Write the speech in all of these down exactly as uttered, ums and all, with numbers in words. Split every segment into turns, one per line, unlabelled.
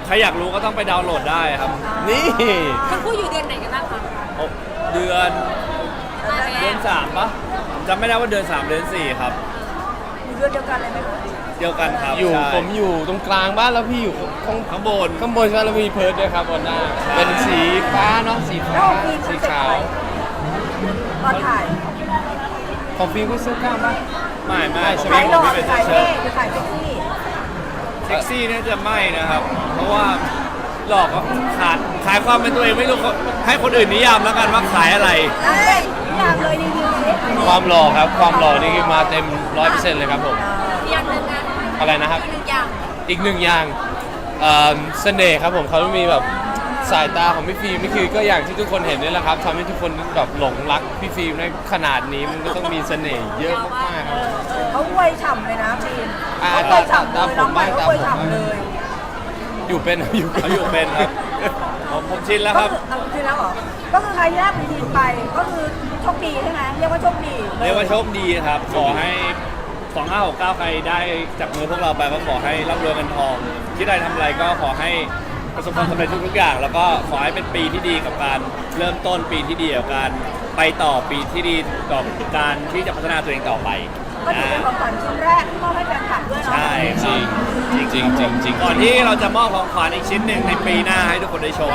ใครอยากรู้ก็ต้องไปดาวน์โหลดได้ครับ
นี่
ทั้งคู่อยู่เดือนไหนกันบ้างคะ
เดือนเดือนสามปะจำไม่ได้ว่าเดือนสามเดือนสี่ครับ
อยู่เดือนเดียวกันเลยไหม
เดียวกันครับ
อยู่ผมอยู่ตรงกลางบ้านแล้วพี่อยู่ข้าง
ข้างบน
ข้างบนใช่ไหมแล้วมีเพิร์ดด้วยครับบนหน้าเป็นสีฟ้าเนาะสีฟ้าสีขาว
ตอนถ่าย
ของฟิล์มก็เสื้อกล้ามป่ะ
ไม่ไม่
ขายหล่อขายเท่หรือขายเซ็กซี่
เซ็กซี่น่าจะไม่นะครับเพราะว่าหลอกขายขายความเป็นตัวเองไม่รู้ให้คนอื่นนิยามแล้วกันว่าขายอะไร
นิยามเลยรีวิวสิ
ความหล่อครับความหล่อนี่มาเต็มร้อยเปอร์เซ็นต์เลยครับผม
อย่างหนึ่งนะ
อะไรนะครับ
อีกหนึ่งอย่าง
อีกหนึ่งอย่างเสน่ห์ครับผมเขาต้องมีแบบสายตาของพี่ฟิล์มนี่คือก็อย่างที่ทุกคนเห็นนี่แหละครับทำให้ทุกคนแบบหลงรักพี่ฟิล์มในขนาดนี้มันก็ต้องมีเสน่ห์เยอะมากๆครับ
เขาอวยฉ่ำเลยนะฟิล์มเขาอวยฉ่ำเลยน้องใหม่เขาอวยฉ่ำเลย
อยู่เป็นอยู่
เขาอยู่เป็นครับผมชินแล้วครับ
ชินแล้วเหรอก็คือใครที่ได้เป็นทีมไปก็คือโชคดีใช่ไหมเรียกว่าโชคดี
เรียกว่าโชคดีครับขอให้สองห้าหกเก้าใครได้จับมือพวกเราไปก็ขอให้ร่ำรวยเงินทองที่ได้ทำอะไรก็ขอให้ประสบความสำเร็จทุกๆอย่างแล้วก็ขอให้เป็นปีที่ดีกับการเริ่มต้นปีที่ดีกับการไปต่อปีที่ดีต่อการที่จะพัฒนาตัวเองต่อไป
ก็ถือเป็นของขวัญชิ้นแรกที่มอบให้แฟนคลับด้วยเนาะ
ใช่
จริงจริงจริงจริง
ก่อนที่เราจะมอบของขวัญอีกชิ้นหนึ่งในปีหน้าให้ทุกคนได้ชม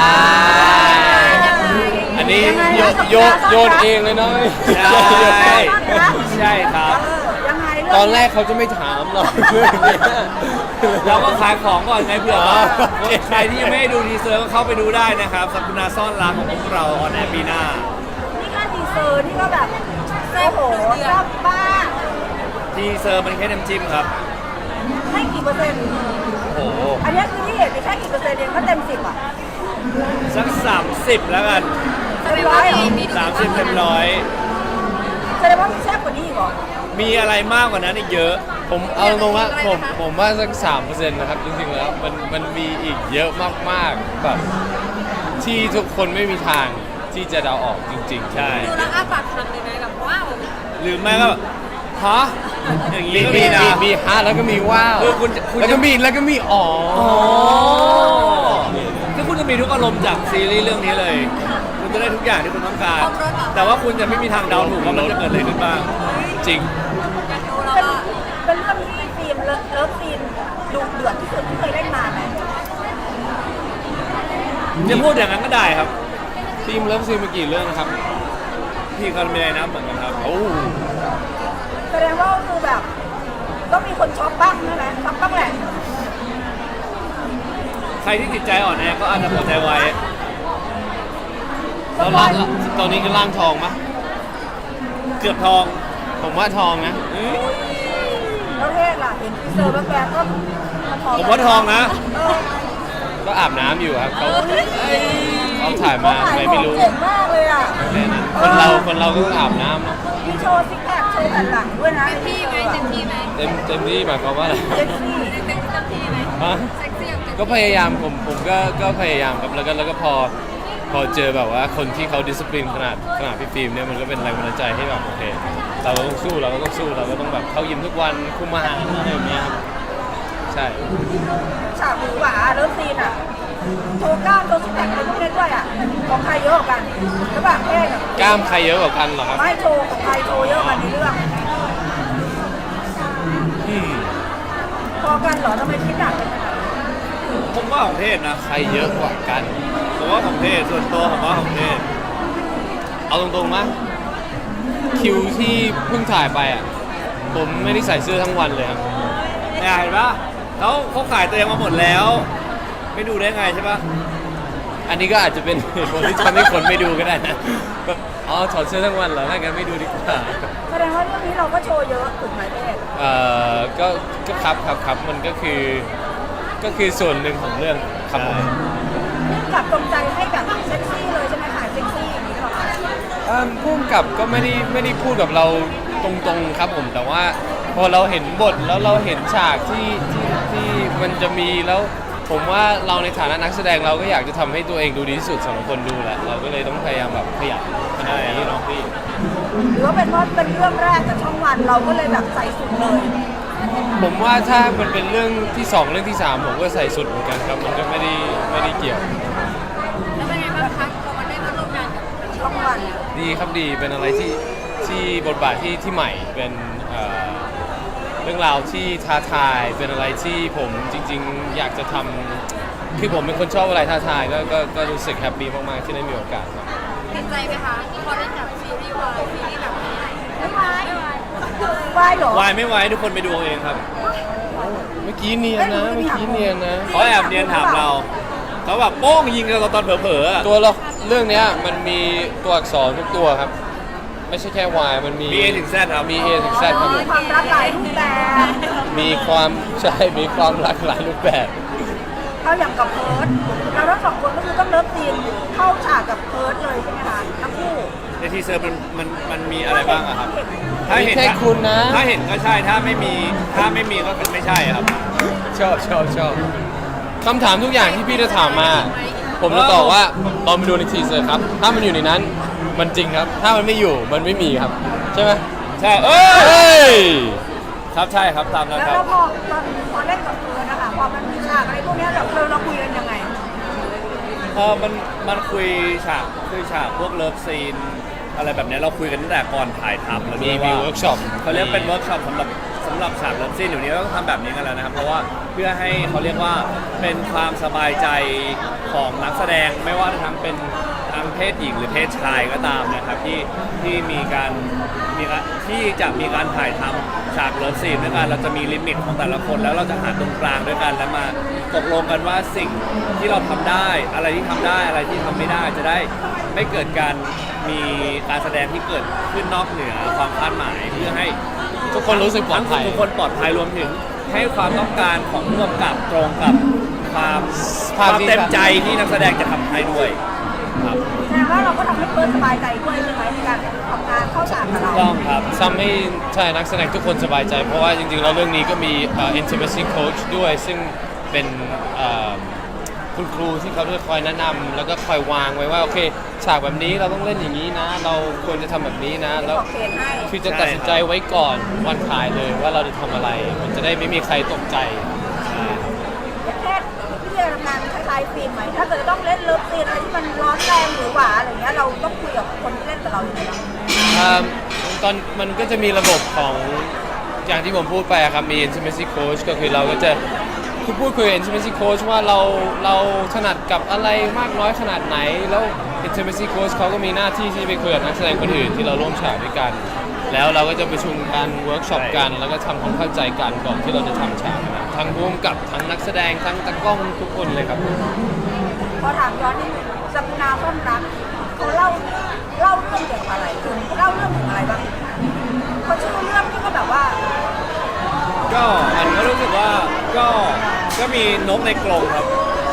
อันนี้โยนโยนเองเลยเนาะ
ใช่ใช่ครับ
ตอนแรกเขาจะไม่ถามหรอก
เราก็ขายของก่อนไงเผื่อว่าใครที่ยังไม่ได้ดูทีเซอร์ก็เข้าไปดูได้นะครับสัปดาห์ซ่อนรักของพวกเราออนแอร์ปีหน้า
นี่ก็ทีเซอร์นี่ก็แบบโอ้โหชอบบ้า
ทีเซอร์มันแค่น้ำจิ้มครับ
ให้กี่เปอร์เซ็นต์
โอ้โห
อันนี้คือที่เห็นแค่กี่เปอร์เซ็นต์เองก็เต็มสิบอ่ะ
สักสามสิบแล้วกัน
เต็มร้อย
สามสิบเต็มร้อย
แสดงว่ามีแซ่บกว่านี้อีกเหรอ
มีอะไรมากกว่านั้นอีกเยอะ
ผมเอาตรงว่าผมผมว่าสักสามเปอร์เซ็นต์นะครับจริงๆแล้วมันมันมีอีกเยอะมากๆแบบที่ทุกคนไม่มีทางที่จะเดาออกจริงๆ
ใช่
ดูแล้วอ้าปากทำเลยนะแบบว้าว
หรือไม่ก็ฮะอย่างนี้
มีมีมีฮะแล้วก็มีว้าวแล้วก็มีแล้วก็มีอ๋อ
คือคุณจะมีทุกอารมณ์จากซีรีส์เรื่องนี้เลยคุณจะได้ทุกอย่างที่คุณต้องการแต่ว่าคุณจะไม่มีทางเดาถูกว่ามันจะเกิดอะไรขึ้นบ้าง
จริง
เป็นเรื่องที่ฟิล์มเลิฟซีนดุเดือดที่สุดที่เคยเล่นมาไหม
จะพูดอย่างนั้นก็ได้ครับ
ฟิล์มเลิฟซีนมากี่เรื่องครับ
พี่ก็ไม่ได้นับเหมือนกันครับ
โอ้
แสดงว่าคือแบบต้องมีคนช็อกบ้างใช่ไหมช็อกบ้างแหละ
ใครที่จิตใจอ่อนแอก็อาจจะปวดใจไว้
แล้วล่างตอนนี้ก็ล่างทองมะ
เกือบทอง
ผมว่าทองนะ
แล้วเทศล่ะเห็นทีเซอร์แบบแบบก็
ผมว่าทองนะ
ก็อาบน้ำอยู่ครับเขาเขาถ่ายมาอะไรไม่รู้
เก่งมากเลยอ่ะ
คนเราคนเราก็ต้องอาบน้ำเนาะ
มีโชว์ซิกแพคโชว์แผ่นหลังด้วยนะ
เต็มที่ไหมเต็มที่ไหม
เต็มเต็มที่หมายความว่าอะไร
เต็มที่
เต็มที่ไหมเซ็กซี่
ก็พยายามผมผมก็ก็พยายามครับแล้วก็แล้วก็พอพอเจอแบบว่าคนที่เขาดิสซิปลินขนาดขนาดพี่ฟิล์มเนี่ยมันก็เป็นแรงบันดาลใจให้แบบโอเคเราก็ต้องสู้เราก็ต้องสู้เราก็ต้องแบบเข้ายิมทุกวันคุมอาหารอะไรอย่างเงี้ยครับใช่
ฉากหรือหวาเลิฟซีนอ่ะโชว์กล้ามโชว์ซิกแพคอะไรพวกนี้ด้วยอ่ะของใครเยอะกันแล้วแบบเท่กับ
กล้ามใครเยอะกว่ากันเหรอครับ
ไม่โชว์ของใครโชว์เยอะกันในเรื่องพอกันเหรอทำไมคิดหนักเป็นขนาดนี้
ผมว่าของเทศนะ
ใครเยอะกว่ากัน
ผมว่าของเทศส่วนตัวผมว่าของเทศ
เอาตรงๆมั้ยคิวที่เพิ่งถ่ายไปอ่ะผมไม่ได้ใส่เสื้อทั้งวันเลยครับ
เห็นปะเขาเขาขายตัวเองมาหมดแล้วไม่ดูได้ไงใช่ปะ
อันนี้ก็อาจจะเป็นเหตุผลที่ทำให้คนไม่ดูก็ได้นะแบบอ๋อถอดเสื้อทั้งวันเหรอถ้างั้นไม่ดูดีกว่า
แสดงว่าเรื่องนี้เราก็โชว์เยอะถูกไหมเทศ
เอ่อก็ก็ครับครับครับมันก็คือก็คือส่วนหนึ่งของเรื่องครับผม
กับตรงใจให้แบบเซ็กซี่เลยใช่ไหมขายเซ็กซี่อย่างนี้หรอ
คะพุ่มกับก็ไม่ได้ไม่ได้พูดกับเราตรงๆครับผมแต่ว่าพอเราเห็นบทแล้วเราเห็นฉากที่ที่ที่มันจะมีแล้วผมว่าเราในฐานะนักแสดงเราก็อยากจะทำให้ตัวเองดูดีที่สุดสำหรับคนดูแหละเราก็เลยต้องพยายามแบบขยับขนาดนี้เนาะพี่
หรือว่าเป็นเพราะเป็นเรื่องแรกกับช่องวันเราก็เลยแบบใส่สุดเลย
ผมว่าถ้ามันเป็นเรื่องที่สองเรื่องที่สามผมก็ใส่สุดเหมือนกันครับมันก็ไม่ได้ไม่ได้เกี่ยว
แล้วเป็นไงบ้างคะพอมาได้มาร่วมงานกับ
ช่องวัน
ดีครับดีเป็นอะไรที่ที่บทบาทที่ที่ใหม่เป็นเอ่อเรื่องราวที่ท้าทายเป็นอะไรที่ผมจริง ๆ อยากจะทำคือผมเป็นคนชอบอะไรท้าทายก็ก็ก็รู้สึกแฮปปี้มากๆที่ได้มีโอกาสครับ
ติดใจไหมคะพอได้จับซีรีส์วายซีรีส์แบบนี้
ไม่ไหวไหวเหรอ
วายไม่ไหวทุกคนไปดูเอาเองครับ
เมื่อกี้เนียนนะเมื่อกี้เนียนนะ
เขาแอบเนียนถามเราเขาแบบโป้งยิงกันตอนเผลอๆอะ
ตัวเราเรื่องเนี้ยมันมีตัวอักษรทุกตัวครับ ไม่ใช่แค่ Y มันมี
มี A ถึง Z ครับ
มี A ถึง Z ครับผม
ความรักหลายรูปแบบ
มีความใช่มีความหลากหลายรูปแบบ
เอาอย่างกับเพิร์ดเราทั้งสองคนก็คือต้องเลิฟซีนเข้าฉากกับเพิร์ดเลยใช่ไหมคะทั้งคู่
ในทีเซอร์มันมันมันมีอะไรบ้างอะครับ ถ้าเห็น
มีแค่คุณนะ
ถ้าเห็นก็ใช่ถ้าไม่มีถ้าไม่มีก็คือไม่ใช่ครับ
ชอบชอบชอบคำถามทุกอย่างที่พี่จะถามมา ผมจะตอบว่าลองไปดูในทีเซอร์ครับ ถ้ามันอยู่ในนั้นมันจริงครับ ถ้ามันไม่อยู่มันไม่มีครับ ใช่ไหม
ใช่เอ้
เฮ้
ย
ย
ครับใช่ครับตามนั้น
แล้ว
ครับ
เราพอตอนพอเล่นกับเพิร์ดนะคะพอมันมีฉากอะไรพวกเนี้ยเราเราเราคุยกันยังไง
พอมันมันคุยฉากคุยฉากพวกเลิฟซีนอะไรแบบเนี้ยเราคุยกันตั้งแต่ก่อนถ่ายทำแล้ว
มี
ด้วย
มี
ว่า
เวิร์กช็อป
เขาเรียกเป็นเวิร์กช็อปสำหรับสำหรับฉากเลิฟซีนอยู่นี้เราต้องทำแบบนี้กันแล้วนะครับ เพราะว่าเพื่อให้เขาเรียกว่าเป็นความสบายใจของนักแสดงไม่ว่าจะทั้งเป็นทั้งเพศหญิงหรือเพศชายก็ตามนะครับที่ที่มีการมีการที่จะมีการถ่ายทำฉากเลิฟซีนด้วยกันเราจะมีลิมิตของแต่ละคน แล้วเราจะหาตรงกลางด้วยกันแล้วมาตกลงกันว่าสิ่งที่เราทำได้อะไรที่ทำได้อะไรที่ทำไม่ได้จะได้ไม่เกิดการมีการแสดงที่เกิดขึ้นนอกเหนือความคาดหมายเพื่อให้
ทุกคนรู้สึกปลอดภัย
ทุกคนปลอดภัยรวมถึงให้ความต้องการของผู้กำกับตรงกับความความเต็มใจที่นักแสดงจะทำให้ด้วยครับ
แสดงว่าเราก็ทำให้เพิร์ดสบายใจด้วยใช่ไหมในการทำงานเข้าฉากกับเรา
ต้องครับ
ทำให้ใช่นักแสดงทุกคนสบายใจ เพราะว่าจริงๆแล้วเรื่องนี้ก็มีเอ่อ intimacy coach ด้วยซึ่งเป็นเอ่อคุณครูที่เขาจะคอยแนะนำแล้วก็คอยวางไว้ว่าโอเคฉากแบบนี้เราต้องเล่นอย่างนี้นะ เราควรจะทำแบบนี้นะแล้ว
บอกเคสให้
คือจะตัดสินใจไว้ก่อนวันถ่ายเลยว่าเราจะทำอะไร มันจะได้ไม่มีใครตกใจ
แค่ที่จะทำงานคล้ายๆฟิล์มไหมถ้าเกิดจะต้องเล่นเลิฟซีนอะไรที่มันร้อนแรงหรือหวาอะไรเงี้ยเราต้องคุยกับคนที่เล่นกับเราอยู่แล้ว
อ่าตอนมันก็จะมีระบบของอย่างที่ผมพูดไปอะครับมี intimacy coach ก็คือเราก็จะคือพูดคุยกับ intimacy coach ว่าเราเราถนัดกับอะไรมากน้อยขนาดไหน แล้ว intimacy coach เขาก็มีหน้าที่ที่ไปคุยกับนักแสดงคนอื่นที่เราร่วมฉากด้วยกัน แล้วเราก็จะประชุมกันเวิร์กช็อปกัน แล้วก็ทำความเข้าใจกันก่อนที่เราจะทำฉากนะทั้งร่วมกับทั้งนักแสดงทั้งตากล้องทุกคนเลยครับ
พอถามย้อนนิดนึงสัปนาต้นรักเขาเล่าเล่าเรื่องเกี่ยวกับอะไรคือเล่าเรื่องถึงอะไรบ้างเขาชื่อเรื่องที่ก็แบบว่า
ก็มันก็รู้สึกว่าก็ก็มีนกในกรงครับ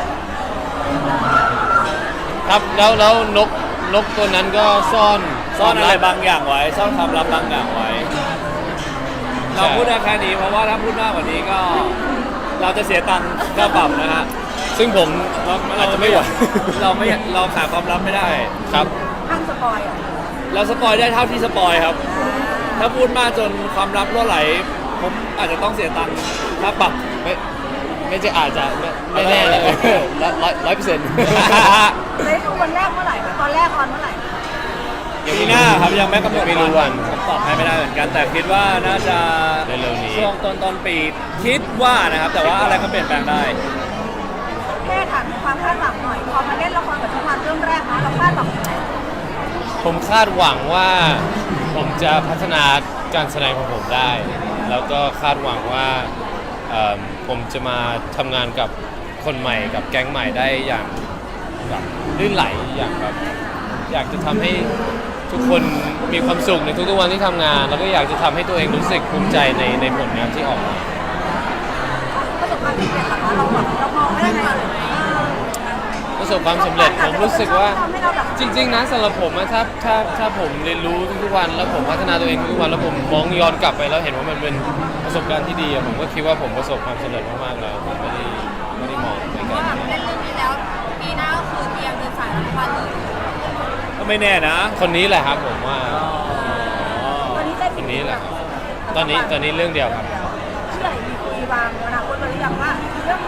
ครับแล้วแล้วนกนกตัวนั้นก็ซ่อน
ซ่อนอะไร
ความลั
บางอย่างไว้ ซ่อนความลับบางอย่างไว้ เราพูดได้แค่นี้เพราะว่าถ้าพูดมากกว่านี้ก็ เราจะเสียตังค์ค่าปรับนะฮะ
ซึ่งผม
เรา
อาจจะไม่ไหว
เราไม่เราขาดความลับไม่ได้
ครับ
ห้างสปอยอ่ะ
เราสปอยได้เท่าที่สปอยครับ ถ้าพูดมากจนความลับรั่วไหล ผมอาจจะต้องเสียตังค์ค่าปรับ
ไม่ไม่ใช่อาจจะไม่ไม่แน่เลยร้อยร้อยเปอร์เซ็นต์
ได้ดูวันแรกเมื่อไหร่คะตอนแรกออนเมื่อไหร่
ปีหน้าครับยังไม่กำหนด
ไม่รู้วัน
ผมตอบให้ไม่ได้เหมือนกัน แต่คิดว่าน่าจะ
เร็วๆนี้
ช่วงต้นต้นปีคิดว่านะครับ แต่ว่าอะไรก็เปลี่ยนแปลงได้
แค่ถามถึงความคาดหวังหน่อยพอมาเล่นละครกับช่องวันเรื่องแรกนะเราคาดหวังยังไง
ผมคาดหวังว่าผมจะพัฒนาการแสดงของผมได้ แล้วก็คาดหวังว่าเอิ่มผมจะมาทำงานกับคนใหม่กับแก๊งใหม่ได้อย่างแบบลื่นไหลอย่างแบบอยากจะทำให้ทุกคนมีความสุขในทุกๆวันที่ทำงาน แล้วก็อยากจะทำให้ตัวเองรู้สึกภูมิใจในในผลงานที่ออกมา
ประสบความสำเร็จเหรอคะเราแบบเรามองไม่ได้ไงเลย
ประสบความสำเร็จผมรู้สึกว่าจริงๆนะสำหรับผมอะถ้าถ้าถ้าผมเรียนรู้ทุกๆวันแล้วผมพัฒนาตัวเองทุกๆวันแล้วผมมองย้อนกลับไปแล้วเห็นว่ามันเป็นประสบการณ์ที่ดีอะผมก็คิดว่าผมประสบความสำเร็จมากๆแล้วผมไม่ได้ไม่ได้มองในการ
ว่าแบบเล่นเรื่องนี้แล้วปีหน้าก็คือเตรียมเดินสายรับวันเลย
ก็ไม่แน่นะ
คนนี้แหละครับผมว่า
ตอนนี้ได้
คนนี้แหละตอนนี้ตอนนี้เรื่องเดียวครับ
เชื่อ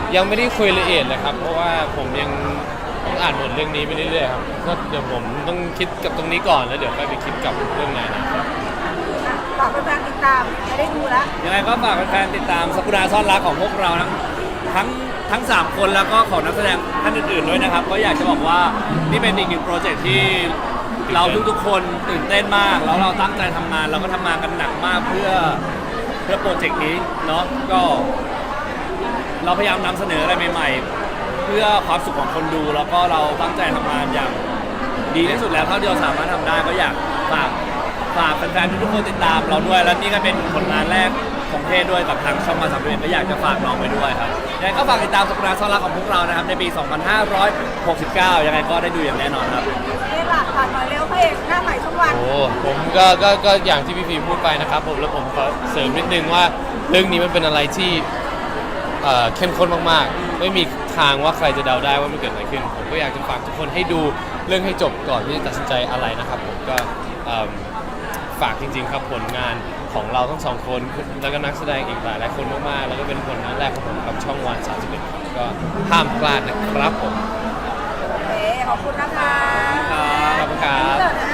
ยังไม่ได้คุยละเอียดเลยครับเพราะว่าผมยังต้องอ่านบทเรื่องนี้ไปเรื่อยๆครับก็เดี๋ยวผมต้องคิดกับตรงนี้ก่อนแล้วเดี๋ยวค่อยไปคิดกับเรื่องไหนนะครับ
ฝากแฟนๆติดตามจะได้ดูแล้ว
ยังไงก็ฝากแฟนๆติดตามสักุราซ่อนรักของพวกเราทั้งทั้งทั้งสามคนแล้วก็ของนักแสดงท่านอื่นๆด้วยนะครับก็อยากจะบอกว่านี่เป็นอีกหนึ่งโปรเจกต์ที่เราทุกๆคนตื่นเต้นมากแล้วเราตั้งใจทำงานเราก็ทำงานกันหนักมากเพื่อเพื่อโปรเจกต์นี้เนาะก็เราพยายามนำเสนออะไรใหม่ๆ เพื่อความสุขของคนดูแล้วก็เราตั้งใจทำงานอย่างดีที่สุดแล้วเท่าที่เราสามารถทำได้ก็อยากฝากฝากแฟนๆทุกๆคนติดตามเราด้วยแล้วนี่ก็เป็นผลงานแรกของเทศด้วยกับทางช่องมาสามเดือนก็อยากจะฝากน้องไว้ด้วยครับยังไงก็ฝากติดตามสักุราซ่อนรักของพวกเรานะครับในปี สองพันห้าร้อยหกสิบเก้า ยังไงก็ได้ดูอย่างแน่นอนครับ
เอ๊ะล่ะผ่านหน่อยเร็วพระเอกหน้าใหม่ช่องวัน
โอ้ผมก็ก็ก็อย่างที่พี่พีพูดไปนะครับผมแล้วผมขอเสริมนิดนึงว่าเรื่องนี้มันเป็นอะไรที่เอ่อเข้มข้นมากๆไม่มีทางว่าใครจะเดาได้ว่ามันเกิดอะไรขึ้นผมก็อยากจะฝากทุกคนให้ดูเรื่องให้จบก่อนที่จะตัดสินใจอะไรนะครับผมก็เอิ่มฝากจริงๆครับผลงานของเราทั้งสองคนแล้วก็นักแสดงอีกหลายหลายคนมากๆแล้วก็เป็นผลงานแรกของผมกับช่องวันสามสิบเอ็ดครับก็ห้ามพลาดนะครับผม
โอเคขอบคุณนะคะ
ขอบคุณครับ
เดี๋ยวนะ